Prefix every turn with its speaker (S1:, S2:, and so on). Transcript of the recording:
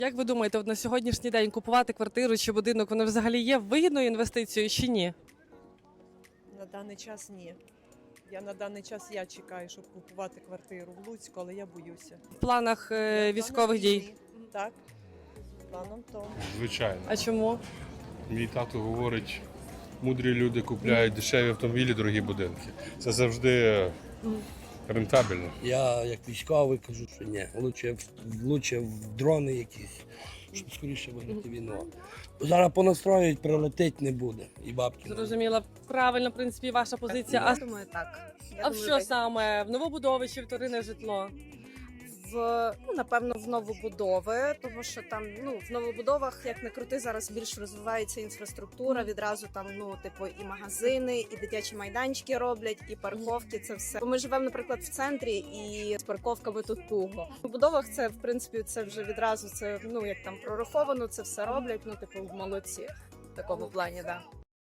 S1: Як ви думаєте, от на сьогоднішній день купувати квартиру чи будинок, воно взагалі є вигідною інвестицією чи ні?
S2: На даний час ні. На даний час я чекаю, щоб купувати квартиру в Луцьку, але я боюся.
S1: В планах військових дій?
S2: Так, планом тому.
S3: Звичайно.
S1: А чому?
S3: Мій тато говорить, мудрі люди купляють дешеві автомобілі, дорогі будинки. Це завжди рентабельно.
S4: Я як військовий кажу, що ні, лучше в дрони якісь, щоб скоріше виграти війну. Зараз понастроюють, прилетить не буде. І бабки. не буде.
S1: Зрозуміла, правильно, в принципі, ваша позиція. А,
S5: Я думаю, так.
S1: а в що саме? В новобудови чи вторинне житло?
S5: Напевно, в новобудови, тому що там, в новобудовах, як не крути, зараз більш розвивається інфраструктура, відразу там, і магазини, і дитячі майданчики роблять, і парковки, це все. Бо ми живемо, наприклад, в центрі, і з парковками тут туго. В будовах це, в принципі, це вже відразу, це, як там прораховано, це все роблять, молодці в такому плані, да.